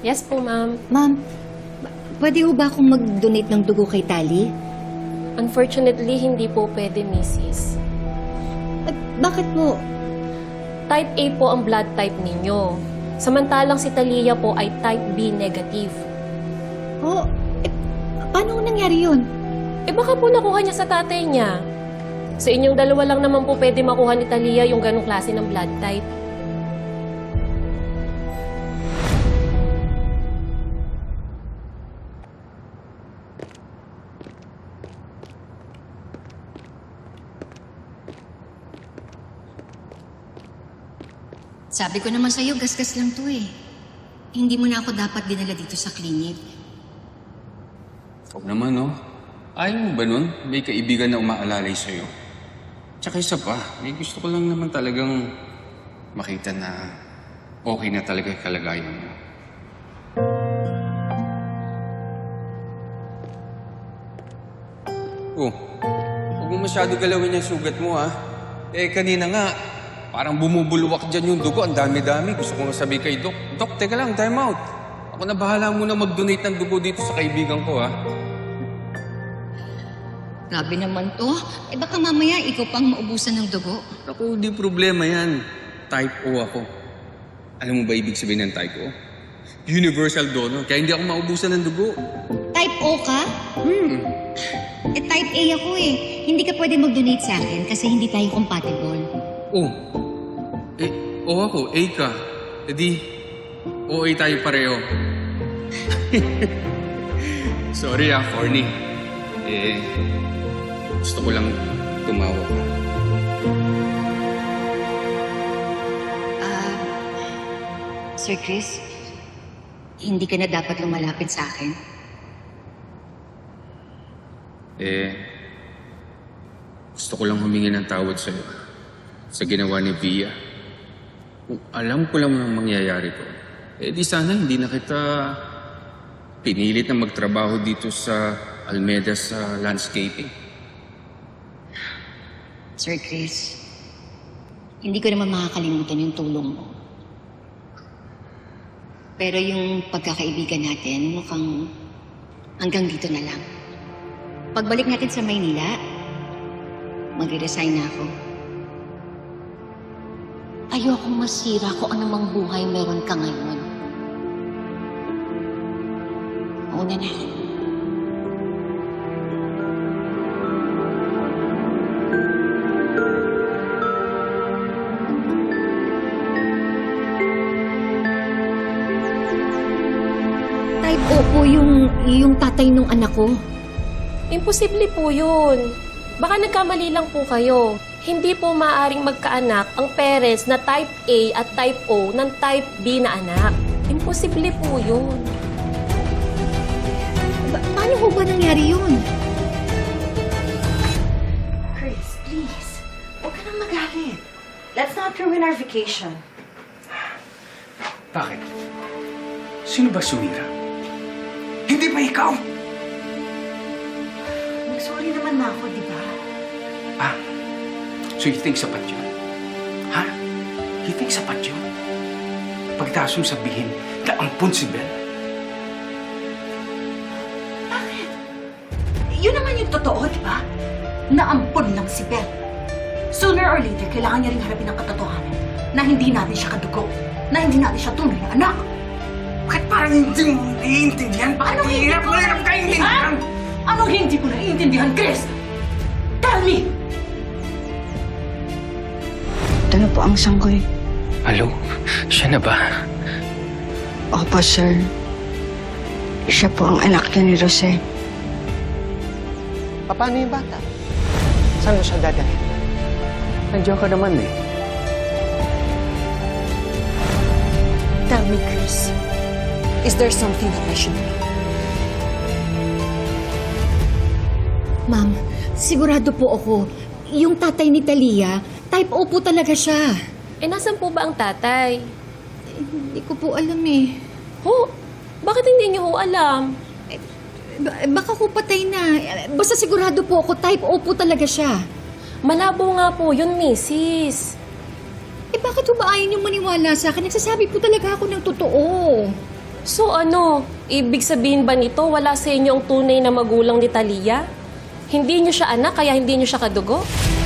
Yes po, ma'am. Ma'am, pwede ho ba akong mag-donate ng dugo kay Tali? Unfortunately, hindi po pwede, Mrs. Bakit po? Type A po ang blood type ninyo. Samantalang si Talia po ay type B negative. Oh, paano nangyari yun? Baka po nakuha niya sa tatay niya. Sa inyong dalawa lang naman po pwede makuha ni Talia yung ganong klase ng blood type. Sabi ko naman sa'yo, gasgas lang to eh. Hindi mo na ako dapat dinala dito sa klinik. Huwag naman, no? Ayaw mo ba nun? May kaibigan na umaalalay sa'yo. Tsaka isa pa, may gusto ko lang naman talagang makita na okay na talaga yung kalagayan mo. Oh, huwag mo masyado galawin yung sugat mo, ha? Kanina nga, parang bumubulwak dyan yung dugo. Ang dami-dami. Gusto ko nga sabi kay Doc, Doc, teka lang, time out. Ako na bahala muna mag-donate ng dugo dito sa kaibigan ko, ha? Grabe naman to. Baka mamaya ikaw pang maubusan ng dugo. Ako, di problema yan. Type O ako. Alam mo ba ibig sabihin ng type O? Universal donor. Kaya hindi ako maubusan ng dugo. Type O ka? Type A ako eh. Hindi ka pwede mag-donate sa akin kasi hindi tayo compatible. O. O ako. A ka. E di, OA tayo pareho. Sorry corny. Gusto ko lang tumawa ka. Sir Chris, hindi ka na dapat lumalapit sa akin. Gusto ko lang humingi ng tawad sa'yo sa ginawa ni Via. Kung alam ko lang ang mangyayari ko, di sana hindi na kita pinilit na magtrabaho dito sa Almeda sa landscaping. Sir Chris, hindi ko naman makakalimutan yung tulong mo. Pero yung pagkakaibigan natin, mukhang hanggang dito na lang. Pagbalik natin sa Maynila, magre-resign na ako. Ayokong masira kung anumang buhay meron ka ngayon. Una na. Type O po yung tatay nung anak ko. Imposible po yun. Baka nagkamali lang po kayo. Hindi po maaaring magkaanak ang parents na type A at type O ng type B na anak. Imposible po yun. Paano ho ba nangyari yun? Chris, please. Huwag ka nang magalit. Let's not ruin our vacation. Bakit? Sino ba sumira? Hindi ba ikaw? Nag-sorry naman na ako, di ba? So you think sapat yun? Ha? You think sapat yun? Pagkatapos mong sabihin na ampun si Bel? Bakit? Yun naman yung totoo, di ba? Naampun lang si Bel. Sooner or later, kailangan niya rin harapin ang katotohanan na hindi natin siya kadugo, na hindi natin siya tunay na anak. Bakit parang hindi mo naiintindihan? Bakit Anong hindi ko hirap ka intindihan? Anong hindi ko naiintindihan, Chris? Tell me! Ito na po ang sanggoy. Hello? Siya na ba? Opo, sir. Siya po ang anak niya ni Jose. Paano yung bata? Saan mo siya dadalhin? Nandiyan ka naman eh. Tell me, Chris. Is there something that I should know? Ma'am, sigurado po ako, yung tatay ni Talia, type O po talaga siya. Nasaan po ba ang tatay? Hindi ko po alam eh. Bakit hindi niyo ho alam? Baka ko patay na. Basta sigurado po ako, type O po talaga siya. Malabo nga po yun, Mrs. Bakit ba ayaw niyong maniwala sa akin? Nagsasabi po talaga ako ng totoo. So ano, ibig sabihin ba nito wala sa inyo ang tunay na magulang ni Talia? Hindi niyo siya anak kaya hindi niyo siya kadugo?